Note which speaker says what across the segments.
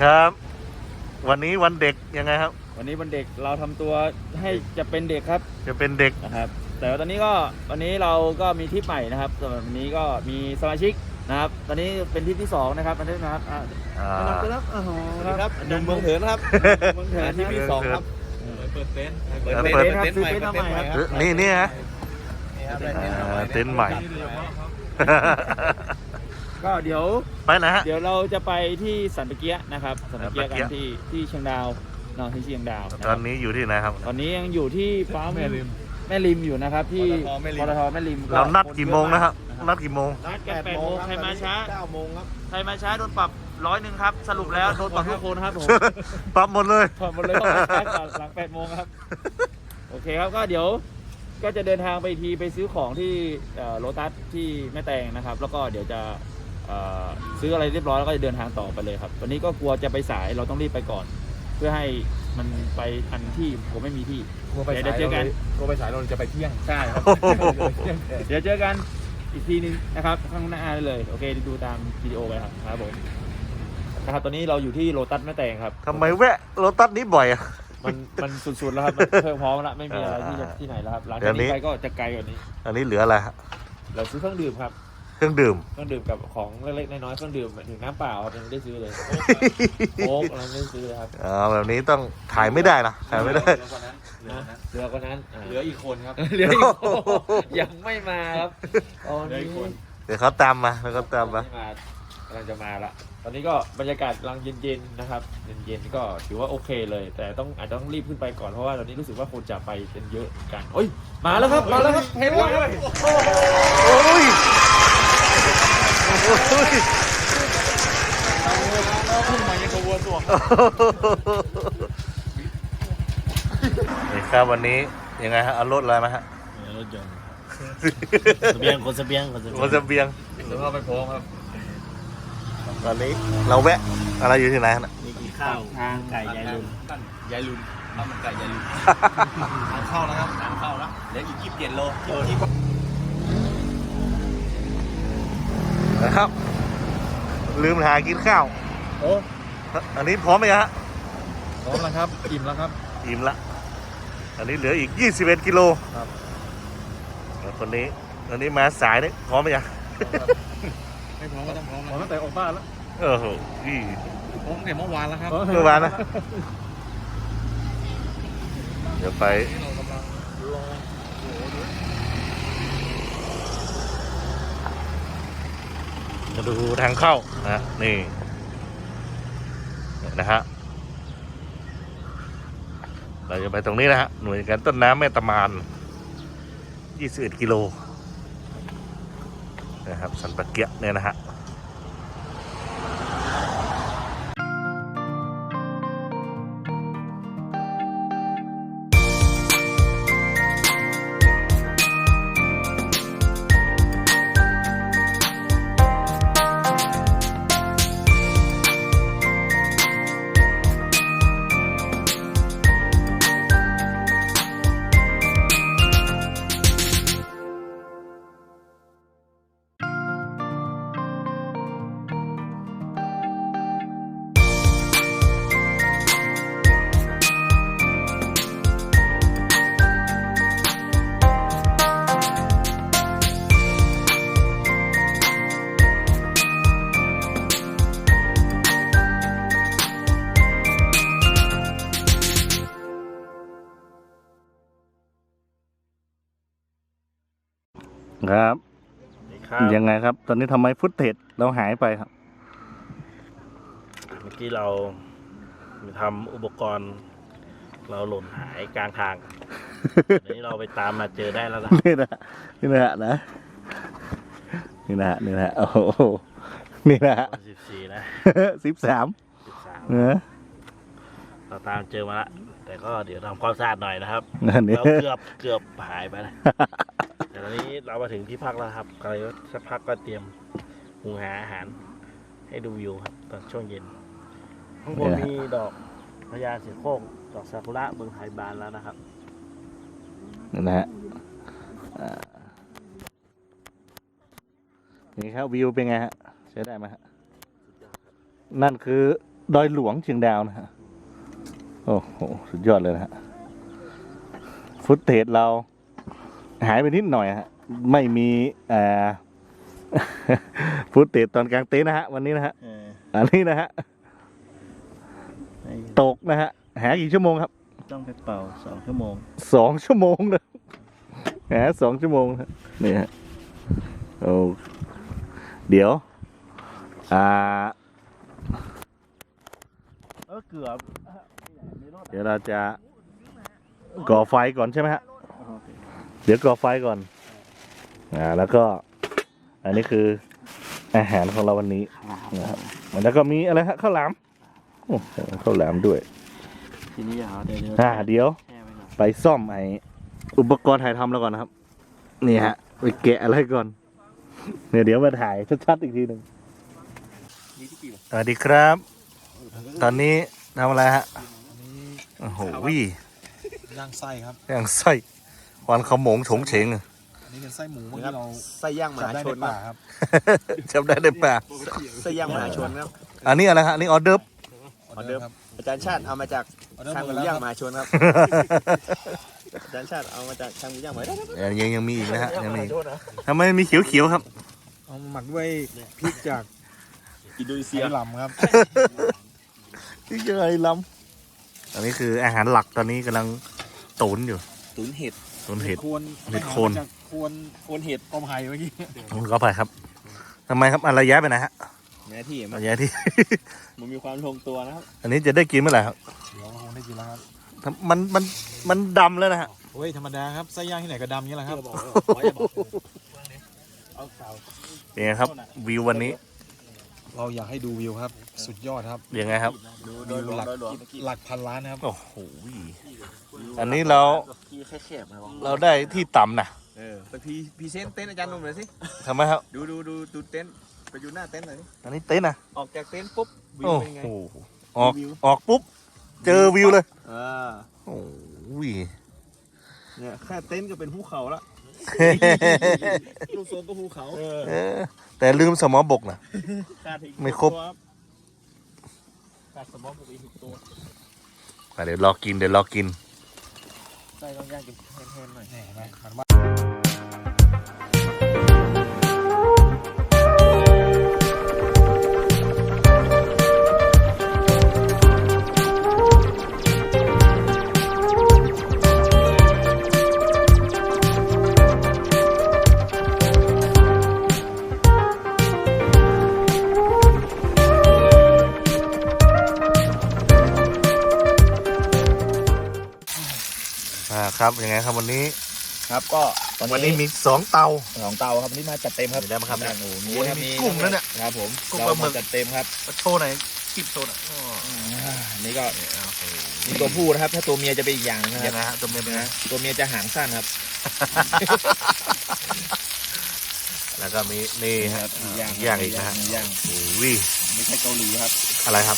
Speaker 1: ครับวันนี้วันเด็กยังไงครับ
Speaker 2: วันนี้วันเด็กเราทำตัวให้จะเป็นเด็กครับ
Speaker 1: จะเป็นเด็ก
Speaker 2: นะครับแต่ตอนนี้วันนี้เราก็มีทริปใหม่นะครับสำหรับวันนี้ก็มีสมาชิกนะครับตอนนี้เป็นทริปที่2นะครับอันนี้นะครับครับโอ้โหครับ
Speaker 3: หนุ่มเมืองเถินครับ
Speaker 2: เมืองเถิน
Speaker 3: ทริปที่2ครับเปิดเต็นท์
Speaker 2: ครับซื้อเต็นท์มาใหม่ครับ
Speaker 1: นี่ฮะเต็นท์ใหม่
Speaker 2: ก็เดี๋ยว
Speaker 1: ไปไหนฮะ
Speaker 2: เดี๋ยวเราจะไปที่สันตะเกียนะครับสันตะเกียกันที่เชียงดาวที่เชียงดาว
Speaker 1: ตอนนี้อยู่ที่ไหนครับ
Speaker 2: ตอนนี้ยังอยู่ที่ปั๊มแม่ริมอยู่นะครับที่ปตทแม่ริม
Speaker 1: เรานัดกี่โมงนะครับนัดกี่โมง
Speaker 2: นัดกัน8 โมงใครมาช้า
Speaker 3: 9 โมงครับ
Speaker 2: ใครมาช้าโดนปรับ100ครับสรุปแล้วโดนปรับทุกคนครับผม
Speaker 1: ปรับหมดเลย
Speaker 2: ปรับหมดเลยต้องมาช้าก่อนหลัง8 โมงครับโอเคครับก็เดี๋ยวก็จะเดินทางไปทีไปซื้อของที่โลตัสที่แม่แตงนะครับแล้วก็เดี๋ยวจะซื้ออะไรเรียบร้อยแล้วก็จะเดินทางต่อไปเลยครับวันนี้ก็กลัวจะไปสายเราต้องรีบไปก่อนเพื่อให้มันไปทันที่ผมไม่มีที่เดี๋ยวเจอกัน
Speaker 3: กลัวไปสายเราจะไปเที่ยง
Speaker 2: ใช่ครับเดี๋ยวเจอกันอีกทีนึงนะครับข้างหน้าเลยโอเคดูตามวิดีโอไปครับผมนะครับตอนนี้เราอยู่ที่โลตัสแม่แตงครับ
Speaker 1: ทำไมแวะโลตัสนี้บ่อยอ่ะ
Speaker 2: มันสุดๆแล้วครับมันเพิ่มพร้อมแล้วไม่มีอะไรที่ไหนแล้วครับหลังจากนี้ไปก็จะไกลกว่านี้
Speaker 1: อันนี้เหลืออะไรฮะ
Speaker 2: เราซื้อเครื่องดื่มครับ
Speaker 1: เครื่องดื่ม
Speaker 2: กับของเล็กๆน้อยๆเครื่องดื่มถึงน้ำเปล่าครับยังไม่ได้ซื้อเลยโค้กอะไรไม่ได้ซื้อเลยครับ
Speaker 1: แบบนี้ต้องถ่ายไม่ได้นะถ่ายไม่ได้
Speaker 2: เหลือกว่านั้น
Speaker 3: เหลืออีกคนครับ
Speaker 2: เหลืออีกคนยังไม่มาครับ
Speaker 3: เหลืออีกคน
Speaker 1: เดี๋ยวเขาตามมาแล้วก็ตามมาก
Speaker 2: ำลังจะมาละตอนนี้ก็บรรยากาศกำลังเย็นๆนะครับเย็นๆก็ถือว่าโอเคเลยแต่อาจจะต้องรีบขึ้นไปก่อนเพราะว่าตอนนี้รู้สึกว่าคนจะไปกันเยอะกันโอ้ยมาแล้วครับเห็นแล้ว
Speaker 1: โอ้ย
Speaker 3: ขึ้นมายังกระวนตัว
Speaker 1: นี่ครับวันนี้ยังไงฮะเอารถอะไรมาฮะ
Speaker 2: รถยนต์เสบียงคนเสบียง
Speaker 1: เดี๋ยว
Speaker 3: เราไปพร้อมครับ
Speaker 1: ตอนนี้เราแวะอะไรอยู่ที่ไหนนะ
Speaker 2: มีกินข้าวทางไก่ยายลุน
Speaker 3: ข้าวมันไก่ยายลุนทางเข้าแล้วครับทางเข้าแล้วเหลืออีก27 โล
Speaker 1: นะครับลืมหากินข้าว
Speaker 3: โอ้
Speaker 1: อันนี้พร้อมไหมฮะ
Speaker 3: พร้อมแล้วครับอิ่มแล้วครับ
Speaker 1: อิ่มละอันนี้เหลืออีก21 กิโล
Speaker 3: ครับ
Speaker 1: แล้วคนนี้อันนี้มาสายนี่พร้อมไหมยัง
Speaker 3: ไม่พร้อมก็ต้องพร้อมตั้งแต่ออกบ้านแล้ว
Speaker 1: โห
Speaker 3: พร้อมแต่เมื่อวานแล้วครับ
Speaker 1: เมื่อวานนะเดี๋ยวไปจะดูทางเข้านะนี่นะฮะเราจะไปตรงนี้นะฮะหน่วยการต้นน้ำแม่ตะมาน21 กิโลนะครับสันปะเกียะเนี่ยนะฮะครับยังไงครับตอนนี้ทำไมฟุตเทจเราหายไปครับ
Speaker 4: เมื่อกี้เราทำอุปกรณ์เราหล่นหายกลางทางเดี๋ยวนี้เราไปตามมาเจอได้แล้วนะ
Speaker 1: นี่นะนี่นะโอ้โหนี่นะ
Speaker 4: 14นะ
Speaker 1: 13
Speaker 4: เราตามเจอมาละแต่ก็เดี๋ยวทำความสะอาดหน่อยนะครับเราเกือบหายไปนะแต่ตอนนี้เรามาถึงที่พักแล้วครับก็สักพักก็เตรียมหุงหาอาหารให้ดูวิวครับตอนช่วงเย็นข้างบนมีดอกพญาเสือโคร่งดอกซากุระเมืองไทยบานแล้วนะครับ
Speaker 1: นะฮะนี่ครับวิวเป็นไงฮะใช้ได้ไหมฮะนั่นคือดอยหลวงเชียงดาวนะฮะโอ้โหสุดยอดเลยนะฮะฟุตเทจเราหายไปนิดหน่อยฮะไม่มีฟุตเทจตอนกลางเต็นท์นะฮะวันนี้นะฮะอันนี้นะฮะตกนะฮะหากี่ชั่วโมงครับ
Speaker 4: ต้องไปเป่า2 ชั่วโมง
Speaker 1: 2 ชั่วโมงนะหา2 ชั่วโมงนะนี่ฮะโอ้เดี๋ยว
Speaker 4: เกือบ
Speaker 1: เดี๋ยวเราจะก่อไฟก่อนใช่ไหมฮะเดี๋ยวก่อไฟก่อนแล้วก็อันนี้คืออาหารของเราวันนี้นะครับแล้วก็มีอะไรฮะข้าวหลามโอ้ข้าวหลามด้วย
Speaker 4: ทีนี้อย่าเดี๋ยว
Speaker 1: เดี๋ยว
Speaker 4: แช่ไว้ก่อน
Speaker 1: ไปซ่อมไออุปกรณ์ถ่ายทำแล้วก่อนนะครับนี่ฮะไปแกะอะไรก่อนเดี๋ยวมาถ่ายชัดๆอีกทีหนึ่งสวัสดีครับ ตอนนี้ทำอะไรฮะโอ้โห
Speaker 3: ย่างไส้ครับ
Speaker 1: ย่างไส้ควันขโมงโฉงเฉง
Speaker 3: อันนี้เป็นไส้หมูที่เราไส้ย่างมหาชนครับ
Speaker 1: จำได้ในป่า
Speaker 3: ไส้ย่างมหาชนครับ
Speaker 1: อันนี้อะไรฮะอันนี้ออเดิร์ฟ
Speaker 3: ออเดิร์ฟอาจารย์ชาติเอามาจากทางหมูย่างมหาชนครับอาจารย์ชาติเอามาจากทางหมูย่างมหาชน
Speaker 1: ยังมีอีกนะฮะยังมีทำไมมีเขียวๆครับ
Speaker 3: เอาหมักด้วยพริกจากอินโดนีเซียลำครับ
Speaker 1: ที่เจอไอ้ลำอันนี้คืออาหารหลักตอนนี้กำลังตุ๋นอยู่
Speaker 3: ตุ๋นเห็ด
Speaker 1: ตุ๋นเห็ด เห็ดโคน
Speaker 3: โคนเห็ดกอมไผ่เมื่อกี้
Speaker 1: ก็ไปครับทำไมครับอะไรย้ายไปไหนฮะ
Speaker 3: แม่ที่
Speaker 1: อะไรย้ายที่
Speaker 3: มันมีความลงตัวนะครับ
Speaker 1: อันนี้จะได้กินเมื่อไหร่ครับ
Speaker 3: เดี๋ยวคงได้กินแล้วครับ
Speaker 1: มันดำแล้วนะฮะ
Speaker 3: โอ้ยธรรมดาครับไส้ย่างที่ไหนก็ดำนี่แหละครับ
Speaker 1: เป็นไงครับวิววันนี้
Speaker 3: เราอยากให้ดูวิวครับ สุดยอดครับ
Speaker 1: ยังไงครับ
Speaker 3: วิวหลักพันล้านนะครับ
Speaker 1: โอ้โหอันนี้เราได้ที่ต่ำนะ
Speaker 3: สักทีพรีเซนต์เต็นท์อาจารย์หนุ่มหน่อยสิ
Speaker 1: ทำไมครับ
Speaker 3: ดูเต็นท์ไปอยู่หน้าเต็นท์หน่อยสิ
Speaker 1: อันนี้เต็นท์นะ
Speaker 3: ออกจากเต็นท์ปุ๊บวิว
Speaker 1: โอ้
Speaker 3: เป็นยังไง
Speaker 1: โหออกปุ๊บเจอวิวเลย
Speaker 3: อ่า
Speaker 1: โอ้ย
Speaker 3: เนี่ยแค่เต็นท์ก็เป็นภูเขาละลูกโซนก็ภูเขา
Speaker 1: แต่ลืมสมอบกนะ ไม่ครบ
Speaker 3: ขาดสมองปกติ6 ตัว
Speaker 1: เดี๋ยวรอกิน
Speaker 3: ใส่ต้องย่างกินแห้งๆหน่อยแหมมันว่า
Speaker 1: ครับยังไงครับวันนี้
Speaker 2: ครับก็ตอน
Speaker 1: วันนี้
Speaker 2: นี้
Speaker 1: มี2 เตา
Speaker 2: 2 เตาครับวันนี้มาจัดเต็มครับ
Speaker 1: เดี๋ยวได้มาครับ
Speaker 2: โอ้โห
Speaker 1: โอ้โหนี่มีกุ้งแล้วเนี่ย
Speaker 2: ครับผม
Speaker 1: กุ้งปลาหมึก
Speaker 2: เรจัดเต็มครับ
Speaker 1: มาโชว์หน่อยคลิปโชว์หน่อย
Speaker 2: นี่ก็นี่ตัวผู้นะครับ ถ้าตัวเมียจะเป็นอีกอย่างนะค
Speaker 1: ยั
Speaker 2: รับ
Speaker 1: งไงฮะตัวเมียเป็นไง
Speaker 2: ตัวเมียจะหางสั้นครับ
Speaker 1: แล้วก็มีนี่ฮะ ย่างอีกนะฮะ
Speaker 2: ย่าง
Speaker 1: โอ้ย
Speaker 2: ไม่ใช่เกาหลีครับ
Speaker 1: อะไรครับ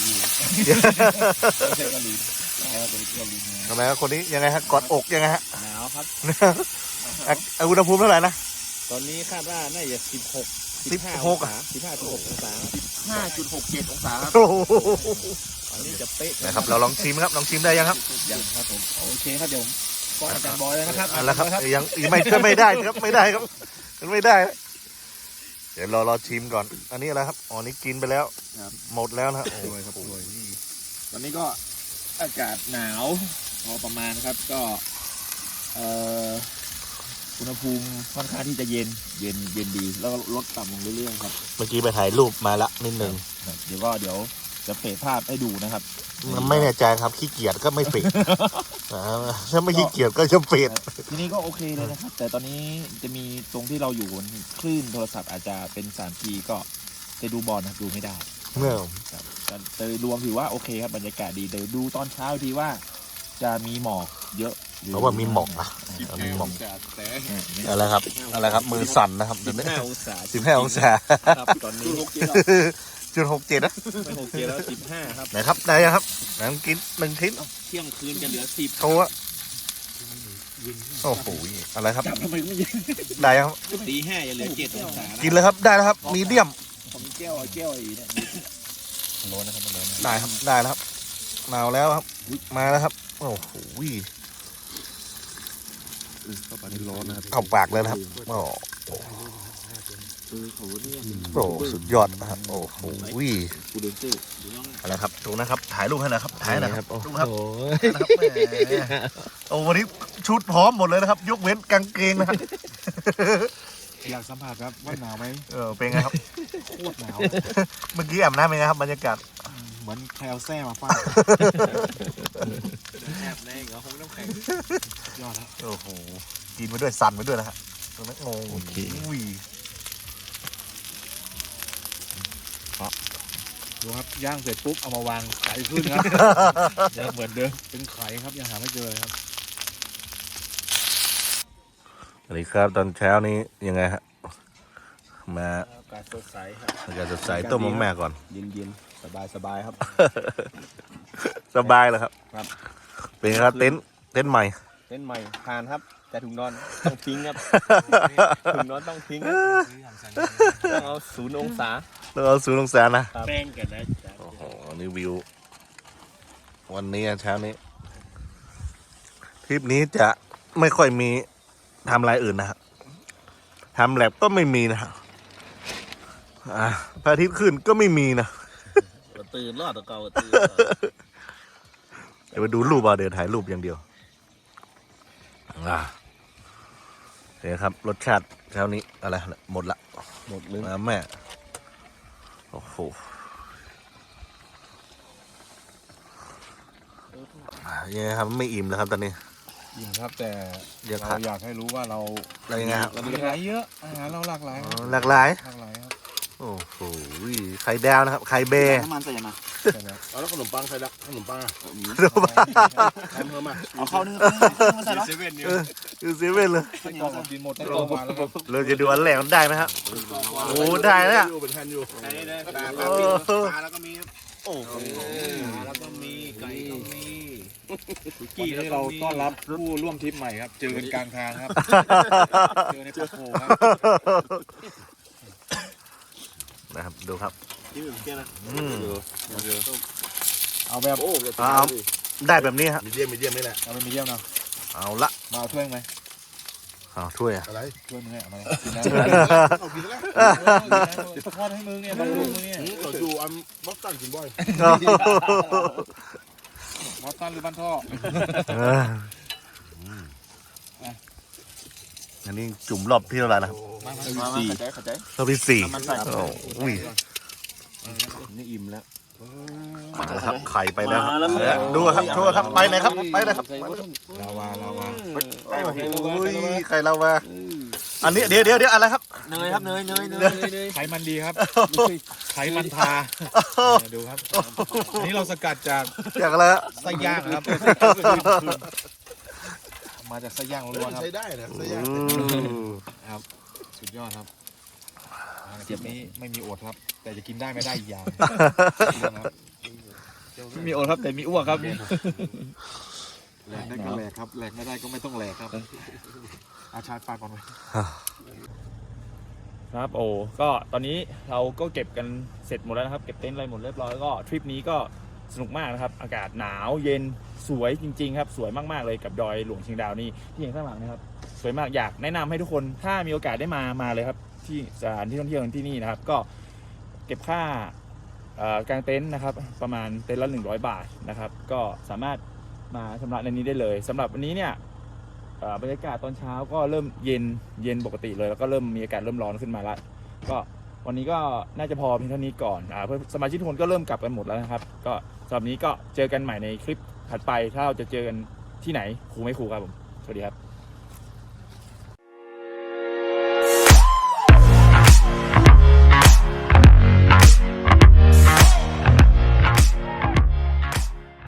Speaker 2: ไม่ใช่เกาหลีนะครับเป็นเกาหลี
Speaker 1: ทำไมครับคนนี้ยังไงฮะกอดอกยังไงฮะ
Speaker 2: หนาวครับ
Speaker 1: อุณหภูมิเท่าไหร่นะ
Speaker 2: ตอนนี้คาดว่าน่าจะ16
Speaker 1: 16
Speaker 2: องศา15.6 องศา5.67 องศาครับ
Speaker 1: โอ้โห
Speaker 2: อันนี้จะเป๊ะ
Speaker 1: นะครับเราลองชิมครับลองชิมได้ยังครับ
Speaker 2: ยังครับผมโอเคครับเดี๋ยวก็อาจารย์บอยแล้วนะครับ
Speaker 1: เอาละครับยังไม่ได้ครับไม่ได้ครับมันไม่ได้นะเดี๋ยวรอชิมก่อน อันนี้อะไรครับอ๋อนี่กินไปแล้วหมดแล้วนะฮะโอ้ยครับโอ้ย
Speaker 2: วันนี้ก็อากาศหนาวพอประมาณครับก็อุณหภูมิค่อนข้างที่จะเย็นดีแล้วก็ลดต่ำลงเรื่อยๆครับ
Speaker 1: เมื่อกี้ไปถ่ายรูปมาละนิดนึง
Speaker 2: เดี๋ยวจะเฟซภาพให้ดูนะครับ
Speaker 1: มันไม่แน่ใจครับขี้เกียจก็ไม่เฟดถ้าไม่ขี้เกียจก็จะเฟด
Speaker 2: ทีนี้ก็โอเคเลยนะครับ แต่ตอนนี้จะมีตรงที่เราอยู่บนคลื่นโทรศัพท์อาจจะเป็น 3G ก็จะดูบอลนะดูไม่ได้
Speaker 1: เมื่อ
Speaker 2: ครับแต่รวมถือว่าโอเคครับบรรยากาศดีเดี๋ยวดูตอนเช้าทีว่าจะมีหมอกเยอะหรือ
Speaker 1: เพราะว่ามีหมอกนะมีหมอก
Speaker 2: แต่
Speaker 1: อะไรครับอะไรครับมือสั่นนะครับเดี๋ยวนี้
Speaker 2: 15 องศา
Speaker 1: 15 องศา
Speaker 2: ครับตอนนี้
Speaker 1: 0.67นะ
Speaker 2: ไม่6เกียร์แล้ว15ครับ
Speaker 1: ไหนครับได้ยังครับไหนลองกิน1 ชิ้น
Speaker 2: เที่ยงคืนจะเหลือ10
Speaker 1: โชว์อะโอ้โหอะไรครับ
Speaker 2: จับทำไมไม่เย็น
Speaker 1: ได้ยังครับ
Speaker 2: ตี5จะเหลือ7 องศา
Speaker 1: กินเลยครับได้แล้วครับมีเดียม
Speaker 2: ผมแก้วอีกเนี่ย
Speaker 3: ร้อนนะครับมันร้อน
Speaker 1: ได้ครับได้แล้วครับมาแล้วครับมาแล้วครับโอ้โห
Speaker 3: เข้าไปร้อนนะครับ
Speaker 1: เข้าปากเลยนะครับโอ้โหสุดยอดนะครับโอ้โห
Speaker 3: กูเดินซื้อ
Speaker 1: อะไรครับดูนะครับถ่ายรูปให้หน่อยครับถ่ายหน่อยครับดูครับ
Speaker 3: โอ้
Speaker 1: นะครับแหมโอ้วันนี้ชุดพร้อมหมดเลยนะครับ ยกเว้นกางเกงนะครับ
Speaker 5: อยากสัมผัสครับว่าหนาวไหม
Speaker 1: เป็นไงครับ
Speaker 5: โคตรหนาว
Speaker 1: เมื่อกี้อาบน้ำเป็นไงครับบรรยากาศ
Speaker 5: เหมือนแคลแซ่มาฟาด
Speaker 3: แอบในเหรอคงน้ำแข็ง
Speaker 5: ยอดครับ
Speaker 1: โอ้โหกินไปด้วยสั่นไปด้วยนะครับตรงนั้นงงอุ้ย
Speaker 5: ดูครับย่างเสร็จปุ๊บเอามาวางไข่ขึ้นครับ ยังเหมือนเดิมเป็นไข่ครับยังหาไม่เจอเลยครับ
Speaker 1: สวัสดีครับตอนเช้านี้ยังไงฮะมา
Speaker 3: อากาศสดใสครับ
Speaker 1: อากาศสดใสต้มมะแม่ก่อน
Speaker 3: เย็นๆสบายครับ
Speaker 1: สบายเลยครับ
Speaker 3: ครับ
Speaker 1: เป็นไงครับเต็นท์ใหม่
Speaker 3: เต้นใหม่ทานครับ แต่ถุงนอนต้องทิ้งครับถุงนอนต้องทิ้งครับต้องเอา0 องศา
Speaker 1: แล้วเอา0 องศานะ
Speaker 4: แป้งกันนะจ๊ะ
Speaker 1: โอ้โหนี่วิว วันนี้เช้านี้ทริปนี้จะไม่ค่อยมีทำอะไรอื่นนะครับทำแลบก็ไม่มีนะครับพระอาทิตย์ขึ้นก็ไม่มีนะ
Speaker 4: ตื่นรอดตัวเก่าตื่น
Speaker 1: เดี๋ยวไปดูรูปเดี๋ยวถ่ายรูปอย่างเดียวเนี่ยครับรสชาติเช้านี้อะไรหมดละ
Speaker 3: หมดเลย
Speaker 1: แม่โอ้โหยังไงครับไม่อิ่มแล้วครับตอนนี้
Speaker 5: อิ่มครับแต่
Speaker 1: ยัง
Speaker 5: เรา
Speaker 1: ขาด
Speaker 5: อยากให้รู้ว่าเรา
Speaker 1: อะไรยังไงครับ
Speaker 5: เรามีหลายเยอะอาหารเราหลากหลายครับ
Speaker 1: หลากหลาย
Speaker 5: หลากหลายครับ
Speaker 1: โอ้โหไข่ดาวนะครับไข่เบย์
Speaker 3: น้ำมันใส่ยังไง
Speaker 5: ใช่ไหม
Speaker 4: เอาแล้วขนมปังใส่ละขนมปังอ่ะ
Speaker 1: ดูมา
Speaker 4: ทำเพิ่มอ่ะ
Speaker 3: เอาเข้านึ่งมาใส่แล้ว
Speaker 5: เซเว่นเนี่ย
Speaker 1: ดูเซเว่นเลย
Speaker 5: ไส้กรอกกินหมดทั้งโรงพยาบาลแล้วครับ
Speaker 1: เราจะดูอันแรกมันได้ไหมครับโอ้ได้แล้วเนี่ย
Speaker 4: เป็นแทนอยู่
Speaker 3: ใส่ได้เลยปลา
Speaker 1: โอ้โห
Speaker 3: แล้วก็มี
Speaker 1: โอ้โห
Speaker 3: แล้วก็มีไก่ก็มี
Speaker 5: วันนี้เราต้อนรับผู้ร่วมทริปใหม่ครับ เจอกันกลางทางครับ เจอในปักโขครับ
Speaker 1: นะครับดูครับ
Speaker 3: ที่อื่นเกี่ยนะ
Speaker 5: เอาแบบ
Speaker 4: โอ้
Speaker 1: เอาได้แบบนี้ฮะ
Speaker 4: มีเดียมนี่แหละ
Speaker 5: เอาเป็นมีเดียมนะ
Speaker 1: เอาละ
Speaker 5: มาเอาถ้วยไหม
Speaker 1: เอาถ้วยอะ
Speaker 4: อะไร
Speaker 5: ถ้วยมึงเนี่ยเอามากินนะ
Speaker 4: เอากินแล้ว
Speaker 5: เดี๋ยวทอดให้มึงเนี่ยบำรุงมึงเนี่ย
Speaker 4: เราดูอันบ็อกตันกินบ่อย
Speaker 5: มอสตันหรือบ้านท่อ
Speaker 1: อันนี้จุ่มรอบที่เท่าไหร่นะครับ
Speaker 3: มาเข้าใจ
Speaker 1: รอบที่4โอ้ย
Speaker 3: นี่อิ่มแล้ว
Speaker 1: นะครับไข่ไปแล้วครับดูครับโชว์ครับไปไหนครับไปไหนครับ
Speaker 5: ลาวา
Speaker 1: โอ้ยไข่เรามาอันนี้เดี๋ยวอะไรครับ
Speaker 3: เนยครับเนย
Speaker 5: ไขมันดีครับไขมันทาดูครับอันนี้เราสกัดจาก
Speaker 1: อยากอะไรฮะ
Speaker 5: ไส้ย่างครับมาจากไส้ย่างล้วนๆครับ
Speaker 4: ใช้ได้นะใช้ได้
Speaker 5: ครับสุดยอดครับเจ็บนี้ไม่มีอดครับ แต่จะกินได้ไม่ได้อีกอย่างครับ
Speaker 2: ไม่มีโอครับแต่มีอ้วกครับ
Speaker 5: แหลกได้ก็แหลกครับแหลกไม่ได้ก็ไม่ต้องแหลกครับอาชาร์จปากก่อนไว้
Speaker 2: ครับโอ้ก็ตอนนี้เราก็เก็บกันเสร็จหมดแล้วนะครับเก็บเต็นท์อะไรหมดเรียบร้อยแล้วก็ทริปนี้ก็สนุกมากนะครับอากาศหนาวเย็นสวยจริงๆครับสวยมากๆเลยกับดอยหลวงเชียงดาวนี่ที่เห็นข้างหลังนะครับสวยมากอยากแนะนำให้ทุกคนถ้ามีโอกาสได้มาเลยครับที่สถานที่ท่องเที่ยวที่นี่นะครับก็เก็บค่ากางเต็นท์นะครับประมาณเต็นท์ละ100 บาทนะครับก็สามารถมาชำระในนี้ได้เลยสำหรับวันนี้เนี่ยบรรยากาศตอนเช้าก็เริ่มเย็นปกติเลยแล้วก็เริ่มมีอากาศเริ่มร้อนขึ้นมาแล้วก็วันนี้ก็น่าจะพอเพียงเท่านี้ก่อนเพื่อสมาชิกทุกคนก็เริ่มกลับกันหมดแล้วนะครับก็สำหรับนี้ก็เจอกันใหม่ในคลิปถัดไปถ้าเราจะเจอกันที่ไหนครูไม่ครูครับผมสวัสดีครับ